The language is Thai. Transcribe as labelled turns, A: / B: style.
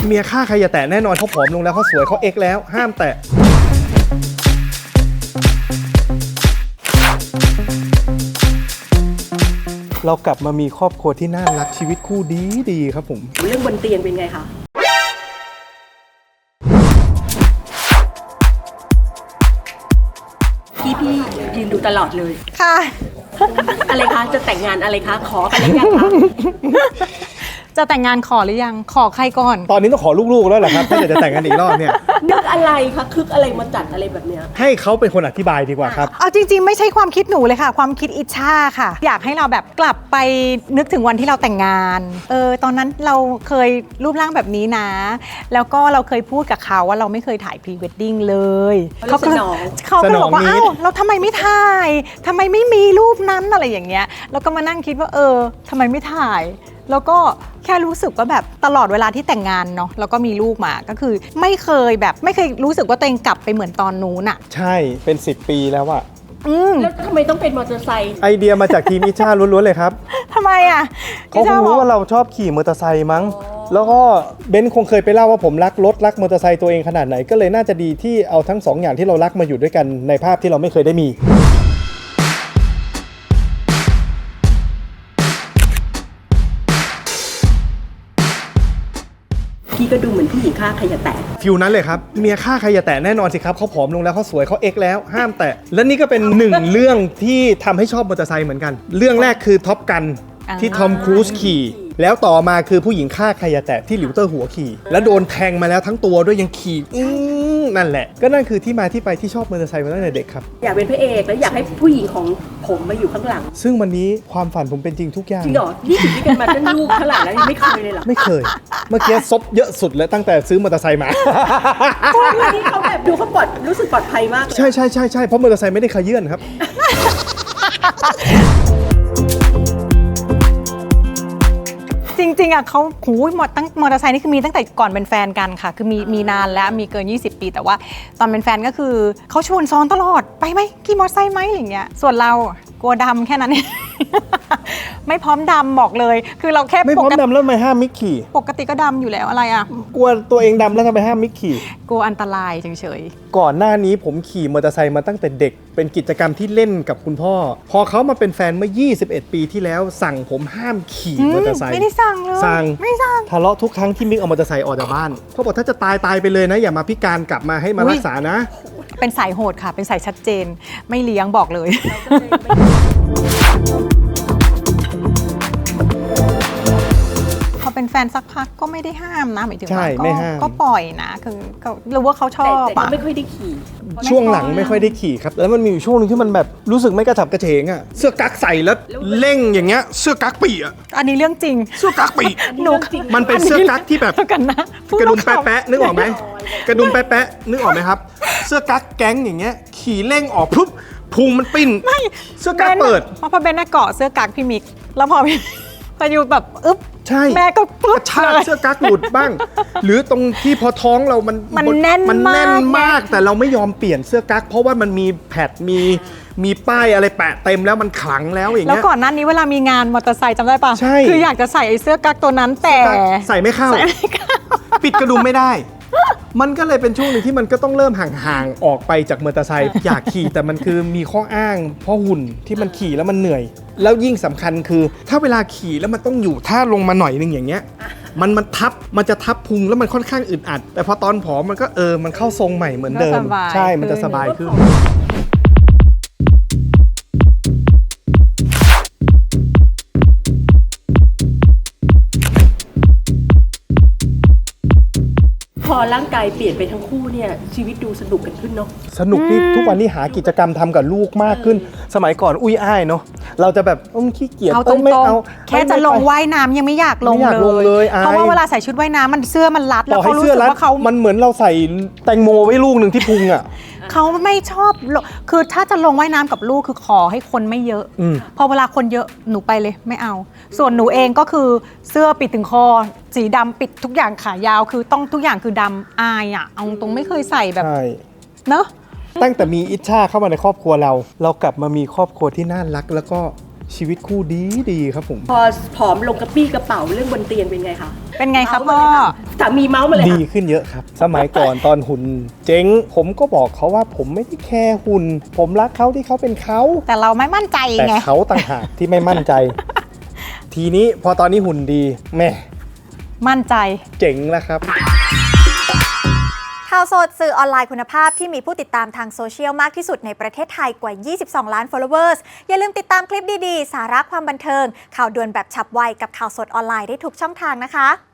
A: เมียฆ่าใครอย่าแตะแน่นอนเขาผอมลงแล้วเขาสวยเขาเอ็กแล้วห้ามแตะเรากลับมามีครอบครัวที่น่ารักชีวิตคู่ดีครับผม
B: เรื่องบนเตียงเป็นไงคะพี่ยืนดูตลอดเลย
C: ค่ะ
B: อะไรคะจะแต่งงานอะไรคะขออะไรกันคะ
C: จะแต่งงานขอหรือยังขอใครก่อน
A: ตอนนี้ต้องขอลูกๆแล้วแหละครับถ้าอยากจะแต่งกันอีกรอบเนี่ย
B: นึกอะไรคะคึกอะไรมาจัดอะไรแบบเนี้ย
A: ให้เขาเป็นคนอธิบายดีกว่าครับ
C: เอาจริงๆไม่ใช่ความคิดหนูเลยค่ะความคิดอิชชาค่ะอยากให้เราแบบกลับไปนึกถึงวันที่เราแต่งงานตอนนั้นเราเคยรูปร่างแบบนี้นะแล้วก็เราเคยพูดกับเขาว่าเราไม่เคยถ่ายพรีเวดดิ้งเลยเขาก็บอกว่าอ้าวเราทำไมไม่ถ่ายทำไมไม่มีรูปนั้นอะไรอย่างเงี้ยแล้วก็มานั่งคิดว่าทำไมไม่ถ่ายแล้วก็แค่รู้สึกว่าแบบตลอดเวลาที่แต่งงานเนาะแล้วก็มีลูกมาก็คือไม่เคยรู้สึกว่าตัวเองกลับไปเหมือนตอนนู้นอะ
A: ใช่เป็น10 ปีแล้วอะ
B: แล้วทำไมต้องเป็นมอเตอร์ไซค์
A: ไอเดียมาจากทีมอิชาล้วนๆเลยครับ
C: ทำไมอะ
A: เขาคงรู้ว่าเราชอบขี่มอเตอร์ไซค์มั้งแล้วก็เบนซ์คงเคยไปเล่าว่าผมรักรถรักมอเตอร์ไซค์ตัวเองขนาดไหนก็เลยน่าจะดีที่เอาทั้ง2 อย่างที่เรารักมาอยู่ด้วยกันในภาพที่เราไม่เคยได้มี
B: พี่ก็ดูเหมือนผู้หญิงฆ่าใครอย่าแตะ
A: ฟิวนั้นเลยครับเมียฆ่าใครอย่าแตะแน่นอนสิครับเขาผอมลงแล้วเขาสวยเขาเอ็กแล้วห้ามแตะและนี่ก็เป็น1 เรื่องที่ทำให้ชอบมอเตอร์ไซค์เหมือนกันเรื่องแรกคือท็อปกันที่ทอมครูซขี่แล้วต่อมาคือผู้หญิงฆ่าใครอย่าแตะที่หลิวเตอร์หัวขี่แล้วโดนแทงมาแล้วทั้งตัวด้วยยังขี่นั่นแหละก็นั่นคือที่มาที่ไปที่ชอบมอเตอร์ไซค์มาตั้งแต่เด็กครับ
B: อยากเป็นพระเอกแล้วอยากให้ผู้หญิงของผมมาอยู่ข้างหลัง
A: ซึ่งวันนี้ความฝันผมเป็นจริงทุกอย่าง
B: จริงเหรอนี่ถึงที่กันมาตั้งลูกเท่าไหร่แล้วยังไม่เคยเลยเหรอ
A: ไม่เคยเมื่อกี้ซบเยอะสุดแล้วตั้งแต่ซื้อมอเตอร์ไซค์มา
B: ที่เขาแบบดูเขารู้สึกปลอดภัยมาก
A: ใช่เพราะมอเตอร์ไซค์ไม่ได้ขยื่นครับ
C: จริงๆอ่ะเขามอเตอร์ไซค์นี่คือมีตั้งแต่ก่อนเป็นแฟนกันค่ะคือมีนานแล้วมีเกิน20 ปีแต่ว่าตอนเป็นแฟนก็คือเขาชวนซ้อนตลอดไปไหมขี่มอเตอร์ไซค์ไหมอะไรเงี้ยส่วนเรากลัวดำแค่นั้นเองไม่พร้อมดำบอกเลยคือเราแค่
A: ไม่พร้อมดำแล้วทำไมห้ามมิกขี่
C: ปกติก็ดำอยู่แล้วอะไรอ่ะ
A: กลัวตัวเองดำแล้วทำไมห้ามมิกขี่
C: กลัวอันตรายเฉย
A: ๆก่อนหน้านี้ผมขี่มอเตอร์ไซค์มาตั้งแต่เด็กเป็นกิจกรรมที่เล่นกับคุณพ่อพอเขามาเป็นแฟนเมื่อ21 ปีที่แล้วสั่งผมห้ามขี่มอเตอร์ไซค์
C: ไม่ได้สั่งเลย
A: ไม่สั่งทะเลาะทุกครั้งที่มิกเอามอเตอร์ไซค์ออกจากบ้านเขาบอกถ้าจะตายไปเลยนะอย่ามาพิการกลับมาให้มารักษานะ
C: เป็นสายโหดค่ะเป็นสายชัดเจนไม่เลี้ยงบอกเลยพอเป็นแฟนสักพักก็ไม่ได้ห้ามนะหมายถึงว่าก็ปล่อยนะคือรู้ว่าเขาชอบ
B: แต่ไม่ค่อยได้ขี่
A: ช่วงหลังไม่ค่อยได้ขี่ครับแล้วมันมีอยู่ช่วงนึงที่มันแบบรู้สึกไม่กระฉับกระเฉงอ่ะเสื้อกั๊กใส่แล้วเร่งอย่างเงี้ยเสื้อกั๊กปีอ่ะ
C: อันนี้เรื่องจริง
A: เสื้อกั๊กปีมันเป็นเสื้อกั๊กที่แบบกระดุมแป๊ะนึกออกไหมกระดุมแป๊ะนึกออกไหมครับเสื้อกั๊กแก๊งอย่างเงี้ยขี่เร่งออกปุ๊บพุงมันปิ้นเสื้อกั๊กเปิด
C: พอเบนน่ะเกาะเสื้อกั๊กพี่มิกแล้วพออยู่แบบอึ๊บ
A: ใช่
C: แม่ก็
A: กระชากเสื้อกั๊กหลุดบ้างหรือตรงที่พอท้องเรามัน
C: แน่น
A: มากแต่เราไม่ยอมเปลี่ยนเสื้อกั๊กเพราะว่ามันมีแพดมีป้ายอะไรแปะเต็มแล้วมันขลังแล้วอย่างเงี้
C: ยแล้วก่อนหน้านี้เวลามีงานมอเตอร์ไซค์จำได้ปะ
A: ใช่
C: คืออยากจะใส่เสื้อกั๊กตัวนั้นแต่
A: ใส่ไม่เข้าปิดกระดุมไม่ได้มันก็เลยเป็นช่วงหนึ่งที่มันก็ต้องเริ่มห่างๆออกไปจากมอเตอร์ไซค์อยากขี่แต่มันคือมีข้ออ้างเพราะหุ่นที่มันขี่แล้วมันเหนื่อยแล้วยิ่งสำคัญคือถ้าเวลาขี่แล้วมันต้องอยู่ท่าลงมาหน่อยนึงอย่างเงี้ยมันจะทับพุงแล้วมันค่อนข้างอึดอัดแต่พอตอนผอมมันก็มันเข้าทรงใหม่เหมือนเดิมใช่มันจะสบายขึ้น
B: พอร่างกายเปลี่ยนไปทั้งคู่เนี่ยชีวิตดูสนุกกันขึ้นเนาะ
A: สนุกที่ทุกวันนี้หากิจกรรมทำกับลูกมากขึ้นสมัยก่อนอุ้ยอ้ายเนาะเราจะแบบขี้เกียจ
C: ไม่เอาแค่จะลงว่ายน้ำยังไม่อยากลงเลยเพราะว่าเวลาใส่ชุดว่ายน้ำมันเสื้อมันรัดแล้วเขารู้สึกว่าเขา
A: มันเหมือนเราใส่แตงโมไว้ลูกหนึ่งที่พุงอ่ะ
C: เขาไม่ชอบคือถ้าจะลงว่ายน้ำกับลูกคือขอให้คนไม่เยอะพอเวลาคนเยอะหนูไปเลยไม่เอาส่วนหนูเองก็คือเสื้อปิดถึงคอสีดำปิดทุกอย่างขายาวคือต้องทุกอย่างคือดำอายอ่ะเอาตรงไม่เคยใส่แบบเนอะ
A: ตั้งแต่มีอิชชาเข้ามาในครอบครัวเรากลับมามีครอบครัวที่น่ารักแล้วก็ชีวิตคู่ดีครับผม
B: พอผอมลงกระปี้กระเป๋าเรื่องบนเตียงเป็นไงคะ
C: เป็นไงคะพ่อ
B: สามีเมาส์มาเลย
A: ดี
B: ค่ะ
A: ขึ้นเยอะครับ สมัยก่อนตอนหุ่นเจ๊ง ผมก็บอกเขาว่าผมไม่ได้แคร์หุ่น ผมรักเขาที่เขาเป็นเขา
C: แต่เราไม่มั่นใจ
A: แต่
C: ไง
A: เขาต่างหากที่ไม่มั่นใจ ทีนี้พอตอนนี้หุ่นดีแม่
C: มั่นใจ
A: เจ๋งแล้วครับ
D: ข่าวสดสื่อออนไลน์คุณภาพที่มีผู้ติดตามทางโซเชียลมากที่สุดในประเทศไทยกว่า 22 ล้าน followers อย่าลืมติดตามคลิปดีๆ สาระความบันเทิง ข่าวด่วนแบบฉับไวกับข่าวสดออนไลน์ได้ทุกช่องทางนะคะ